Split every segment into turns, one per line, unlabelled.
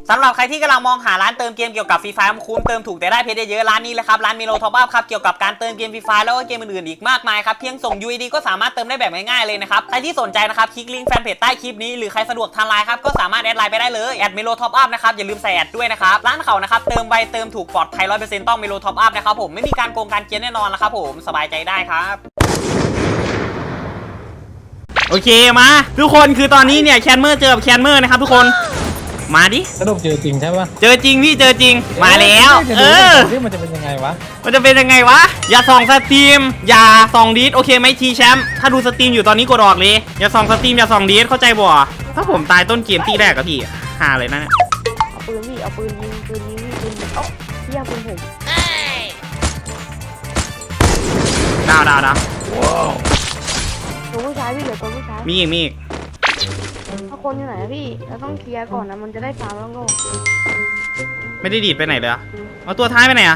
สำหรับใครที่กำลังมองหาร้านเติมเกมเกี่ยวกับฟรีไฟคุ้มเติมถูกแต่ได้เพชรเยอะร้านนี้เลยครับร้านมิโลท็อปอัพครับเกี่ยวกับการเติมเกมฟรีไฟแล้วก็เกมอื่นๆอีกมากมายครับเพียงส่ง UID ก็สามารถเติมได้แบบง่ายๆเลยนะครับใครที่สนใจนะครับคลิกลิงก์แฟนเพจใต้คลิปนี้หรือใครสะดวกทางไลน์ครับก็สามารถแอดไลน์ไปได้เลยแอดมิโลท็อปอัพนะครับอย่าลืมใส่แอดด้วยนะครับร้านเขานะครับเติมไวเติมถูกปลอดภัย 100% ต้องมิโลท็อปอัพนะครับผมไม่มีการโกงการเกียร์แน่นอนนะครับผมสบายใจได้ครับโอเคมาทุกคนคือตอนนี้เนี่ยแคนเมอร์เจอกับแคนเมอร์นะครับทุกคนมาดิ
สรุปเจอจริงใช่ปะ
เจอจริงพี่เจอจริงมาแล้ว
ที่มันจะเป็นยังไงวะ
มันจะเป็นยังไงวะอย่าส่องสตรีมอย่าส่องดีดโอเคไหมทีแชมป์ถ้าดูสตรีมอยู่ตอนนี้กดออกเลยอย่าส่องสตรีมอย่าส่องดีดเข้าใจบ่ถ้าผมตายต้นเกมตีแรกกับพี่หาเลยนะเนี่ย
เอาปืนพี่เอาปืนยิงปืนเอ้าพี่เอาปืนผม
ดาว
ตัวผู้ชายพี่เหลือตัวผู้ชาย
มีอีก
ถ้าคนอยู่ไหนพี่เราต้องเคลียร์ก่อนนะมันจะได้ฟาร์มแล้วก็
ไม่ได้ดีดไปไหนเลยเอาตัวท้ายไปไหน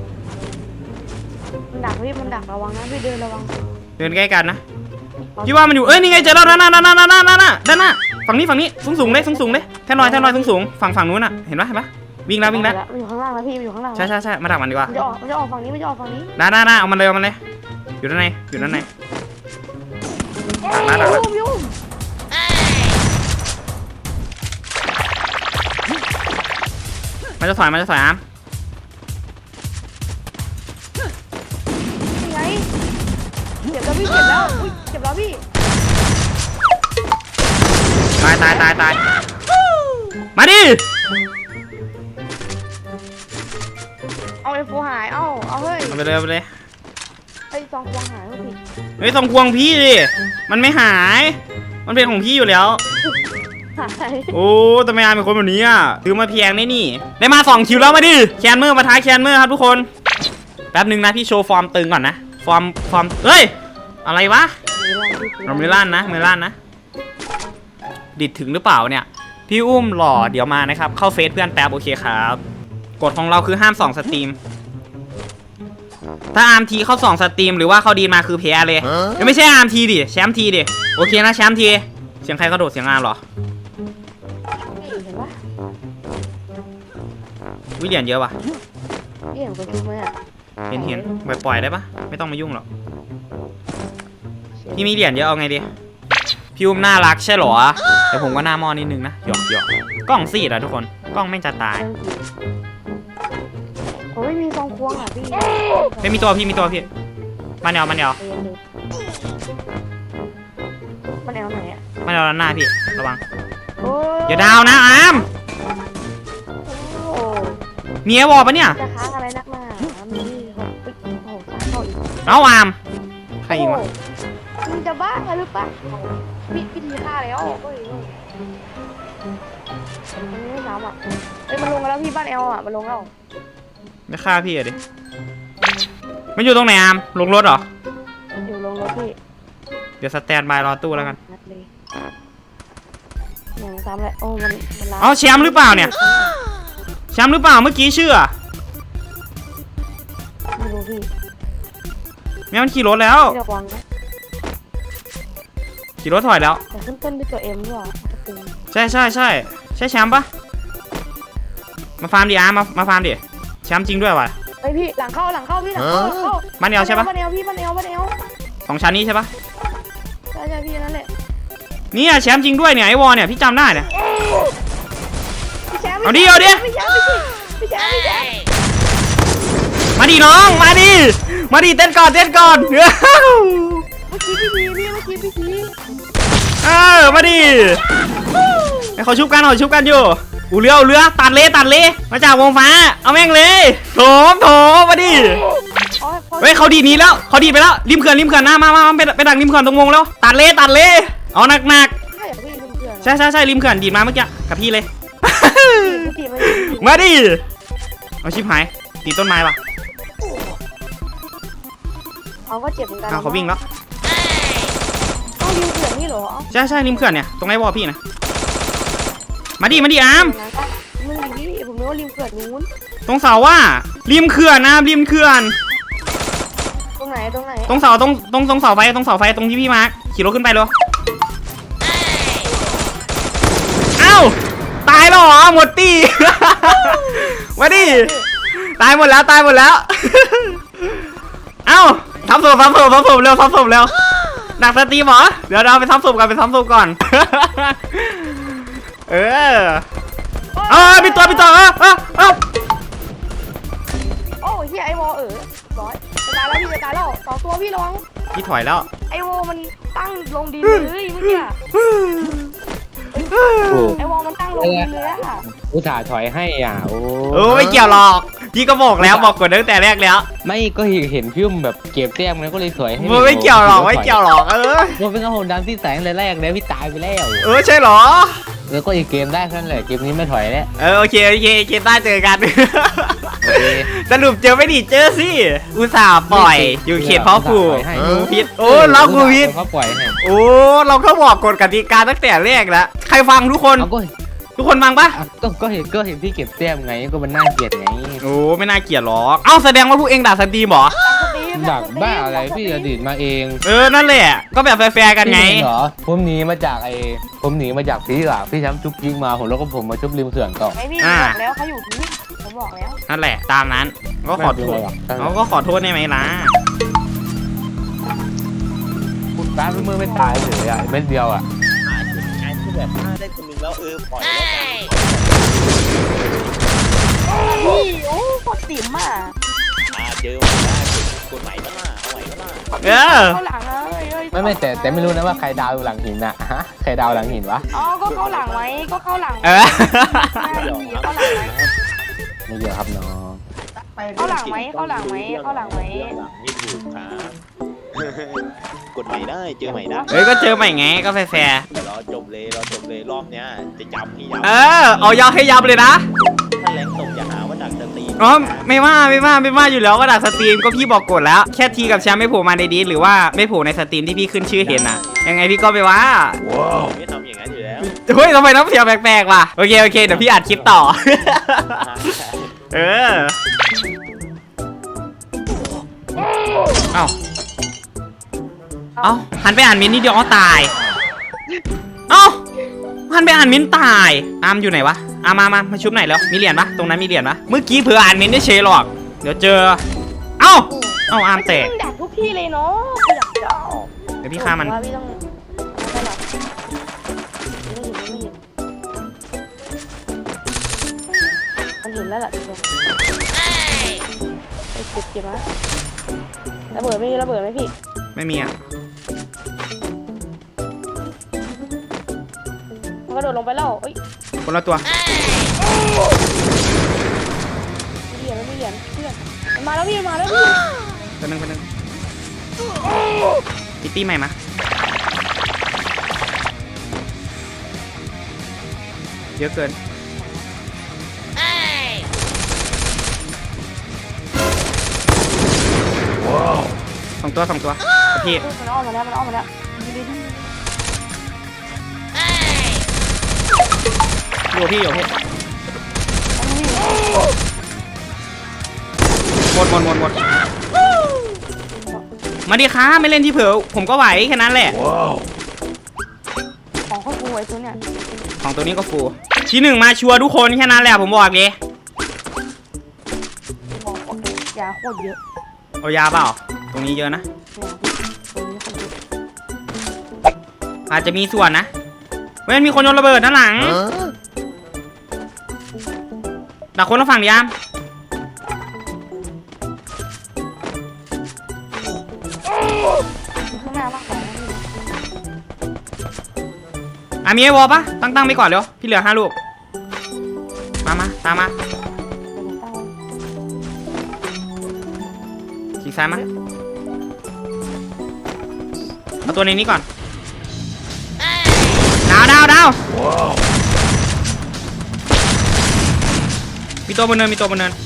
มันดักพี่มันดักระวังนะพี่เดินระวัง
เดินใกล้กันนะพี่ว่ามันอยู่นี่ไงเจอแล้วด้านหน้าฝั่งนี้สูงเลยแท่นลอยสูงฝั่งนู้นน่ะเห็นปะวิ่งแล้ว
มันอยู่ข้างล่างนะพี่มันอยู่ข้างล่าง
ใช่มาดักมันดีกว่า
มันจะออกฝั่งนี้
ด้านเอามันเลยอยู่ด้านในดักมันจะถอยอาร์ม
นี่ไงเจ็บแล้วพี่เจ็บแล้วพี่
ตายมาดิ
เอาไอ้ฟูหายเอาเฮ้ย
เอาไปเลย
ไอ้ซองควงหายพี่
เฮ้ยซองควงพี่ดิมันไม่หายมันเป็นของพี่อยู่แล้วโอ้ทำไมอาร์มเป็นคนแบบนี้อ่ะซื้อมาเพียงนี่ได้มา2 คิวแล้วมาดิแคนเมอร์มาท้าแคนเมอร์ครับทุกคนแป๊บนึงนะพี่โชว์ฟอร์มตึงก่อนนะฟอร์มเฮ้ยอะไรวะมือลั่นนะดิดถึงหรือเปล่าเนี่ยพี่อุ้มหล่อเดี๋ยวมานะครับเข้าเฟซเพื่อนแป๊บโอเคครับกฎของเราคือห้ามส่องสตรีมถ้าอาร์มทีเข้า2 สตรีมหรือว่าเขาดีมาคือแพ้เลยไม่ใช่อาร์มทีดิแชมป์ทีดิโอเคนะแชมป์ทีเสียงใครกระโดดเสียงอาร์มหรอวิเหรียญเยอะป่ะ
เหรียญประชุมไหมอ่ะ
เห็นปล่อยได้ปะไม่ต้องมายุ่งหรอกพี่มีเหรียญเยอะเอาไงดีพี่อุ้มน่ารักใช่หรอแต่ผมก็หน้ามอนิดนึงนะหยอกกล้องซีดอะทุกคนกล้องไม่จะตาย
ผมไม่มีซองควงอ่ะพี่
ไม่มีตัวพี่มันเอว
มันแอวไหนอ่ะ
มันเอวหน้าพี่ระวังอย่าดาวนะอาร์มมีไอวอลปะเนี่ย
จะค้างอะไรนักหนามี
เอาอาร์มใครยิงวะ
มึงจะบ้าหรือเปล่าพี่ทีฆ่าแล้วมันไม่ซ้ำอ่ะมันลงแล้วพี่บ้านเอลอ่ะมันลงแล้ว
ไม่ฆ่าพี่ดิมันอยู่ตรงไหนอาร์มลงรถเหรอ
อยู่ลงรถพี่
เดี๋ยวสแตนบายรอตู้แล้วกัน
อย่างซ้ำเลยโอ้มัน
เอาแชมป์หรือเปล่าเนี่ยแชมป์หรือเปล่าเมื่อกี้ชื่อ
ไม่รู้พี่
แม่มันขี่รถแล้วขี่รถถอยแล้ว
แต่ขึ้นต้นด้วยตัวเอ็มด้วย
ใช่แชมป์ปะมาฟาร์มดิอาร์มาฟาร์มดิแชมป์จริงด้วยวะ
ไอพี่หลังเข้าพี่หลังเข้า
บ้านเอวใช่ปะ
บ้านเอว
2 ชั้นนี้ใช่ปะ
ใช่พี่นั่นแหละ
นี่แชมป์จริงด้วยเนี่ยไอวอลเนี่ยพี่จำได้เนี่ยเอาดิมาดิน้องมาดิเต้นก่อนเ
มื่อกี้พี่
มาดิไอเขาชุบกันอยู่อูเรือตัดเลยมาจากวงฟ้าเอาแม่งเลยโถมาดิเฮ้ยเขาดีนี้แล้วเขาดีไปแล้วริมเขื่อนหน้ามาไปดักริมเขื่อนตรงวงแล้วตัดเลยเอาหนักใช่ริมเขื่อนดีมาเมื่อกี้กับพี่เลยมาดิเอาชิบหายตีต้นไม้ปะ
เขาก็เจ็บเหมือนกัน
เขาวิ่งแล้ว
ต้องริมเขื่อนนี่เหรอ
ใช่ริมเขื่อนเนี่ยตรงไอ้วอพี่นะมาดิอาร์ม
มึงดิผมนึกว่าริมเขื่อนนู้น
ตรงเสาว่าริมเขื่อนนะริมเขื่อน
ตรงไหน
ตรงเสาตรงเสาไฟตรงที่พี่มาร์คขี่รถขึ้นไปเลยเอ้าตายแล้วเหรอหมดตี มาดิตายหมดแล้วตายหมดแล้ว เอ้าทำศพเร็วทำศพเร็วดักสตรีมเหรอเดี๋ยวเราไปทำศพก่อน เออมีตัว
โอ้เฮียไอวอร้อยจะตายแล้วพี่จะตายแล้ว2 ตัวพี่ระวัง
พี่ถอยแล้ว
ไอวอมันตั้งลงดินเลยเมื่อกี้ไอวอมันตั้งลงดินเลยอะ
อุตส่าห์ถอยให้อ่ะโอ้
โอ้ไม่เกี่ยวหรอกพี่ก็บอกแล้วบอกกดตั้งแต่แรกแล้ว
ไม่ก็เห็นพี่อุ้มแบบเก็บแต้มแล้วก็เลยถอยให้
ไม่เกี่ยวหรอก
มันเป็นกระโหนดันที่แสงแรกเลยพี่ตายไปแล้ว
ใช่หรอ
แล้วก็อีกเกมได้แค่นั้นแหละเกมนี้ไม่ถอยแล้ว
โอเคได้เจอกัน สรุปเจอไม่ดีเจอสิอุตส่าห์ปล่อยอยู่เขตเพาะผูกผิดโอ้เรากูผิด
เขาปล่อยให้
โอ้เราก็บอกกฎกติกาตั้งแต่แรกแล้วใครฟังทุกคนทุกคนฟังปะ
ก็เห็นพี่เก็บแต้มไงก็มันน่าเกลียดไง
โอ้ไม่น่าเกลียดหรอกเอ้าแสดงว่าพวกเองด่าสตรีมเหรอ
ดักบ้าอะไรพี่อดีตมาเอง
นั่นแหละก็แบบแฟร์กันไง
เหรอผมหนีมาจากพี่หลักพี่ช้ำจุ๊บยิงมาผมแล้วก็ผมมาจุ๊บริมเขื่อนต่อ
ไอพี่บอกแล้วเขาอยู่ที่ผมบอกแล้ว
นั่นแหละตามนั้นก็ขอโทษเขาก็ขอโทษได้ไหมล่ะ
คุณป้าเมื่อไม่ตายเลยอ่ะเม็ดเดียวอ่ะ
งานที่แบบฆ่าได้คนนึงแล้วปล่อยแล้วกัน
โอ้โคตรติ๋มอ่ะ
เจอมาได้กดใหม่ก็ล่ะเอาใหม่ก็ล่ะ
เข้าหลังเลย
ไม่แต่ไม่รู้นะว่าใครดาวหลังหินอ่ะฮะใครดาวหลังหินวะ
อ๋อก็เข้าหลังไว้ก็เข้าหลัง
เดี๋ยว
เข้าหลังไว้
ไม่เยอะครับน้อง
เข้าหลังไหมเข้าหลังไหมเข้าหลังไหม
หลังนี่ถูกครับกดใหม่ได้เจอใหม่ได้
ก็เจอใหม่ไงก็แฟร์
รอจบเลยรอบเนี้ยจะจำพี่
เอายาวให้ยับเลยนะ
ถ้าแรงตกอย่าหาว่าดักสตรี
อ๋อไม่ว่าอยู่แล้วก็ด่าสตรีมก็พี่บอกกดแล้วแค่ทีกับแชมป์ไม่โผล่มาในดีหรือว่าไม่โผล่ในสตรีมที่พี่ขึ้นชื่อเห็นน่ะยังไงพี่ก็ไปว่า
ไม่ทำอย่างนั้นอยู่แล้ว
เฮ้ยทำไมน้ำเสียงแปลกๆว่ะโอเคเดี๋ยวพี่อัดคลิปต่อ เอ้าหันไปอ่านมินนี่เดียวตายหันไปอ่านมินตายอามอยู่ไหนวะมาชุบไหนแล้วมีเหรียญปะตรงนั้นมีเหรียญปะเมื่อกี้เผื่ออ่านมินได้เชยหรอกเดี๋ยวเจอเอ้าอามแตก
ดักทุกที่เลยเนาะอยากจะ
เดี๋ยวพี่ฆ่ามัน
พี่ต้องไม่หรอกมันเห็นแล้วแหละทุกคนไปเก็บนะระเบิดไหมพี่
ไม่มีอ่ะ
มันกระโดดลงไปแล้วเอ้ย
คนละตัว
ไม่เหยียนเพื่อนมันมาแล้วพี่
คนนึงพิตตี้ใหม่มาเยอะเกินสองตัวพี่
มันอ้อมมาแล้ว
อยู่พี่หมดมาดิค่ะไม่เล่นที่เผื่อผมก็ไหวแค่นั้นแหละ
ของข้าวฟูไอ้ตัวเนี่ย
ของตัวนี้ก็ฟูที่หนึ่งมาชัวร์ทุกคนแค่นั้นแหละผมบอกเลย
ยาโคตรเยอะ
เอายาเปล่าตรงนี้เยอะนะอาจจะมีส่วนนะเว้ยมีคนโยนระเบิดด้านหลังดักคนละฝั่งดิอาม
ข้างหน้ามากกว่า
มีไอวอลปะตั้งไปก่อนเร็วพี่เหลือ5 ลูกมาตามมาฉีกซ้ายมาเอาตัวในนี้ก่อนดาวมีตัวบนเนิน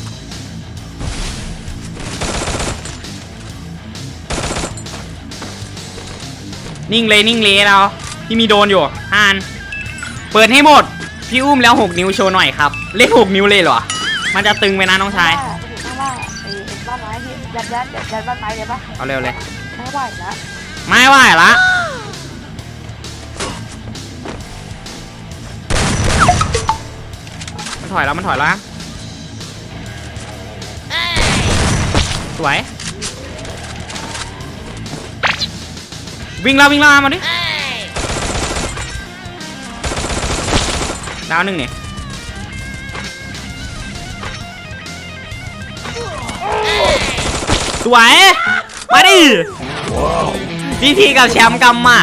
นิ่งเลยเราที่มีโดนอยู่เปิดให้หมดพี่อุ้มแล้ว6 นิ้วโชว์หน่อยครับเลข6 นิ้วเลยเหรอมันจะตึงไปนะน้องชาย
ข้างล่างไอ้บ้านไม้ที่ยัดบ้านไม้เลยปะ
เอาเร็วเลย
ไม่ไหวนะ
ไม่ไหวละถอยแล้วมันถอยแล้วสวยวิ่งแล้วมาดิดาวหนึ่งเนี่ยสวยมาดิทีกับแชมป์กำหมัด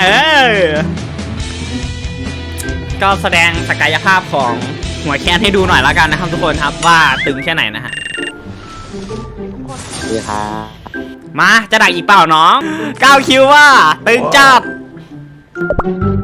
ก็แสดงศักยภาพของหัวแคนให้ดูหน่อยแล้วกันนะครับทุกคนครับว่าตึงแค่ไหนนะฮะ
ดีครับ
มาจะดักอีกเปล่าน้อง9 คิวว่าตึงจัด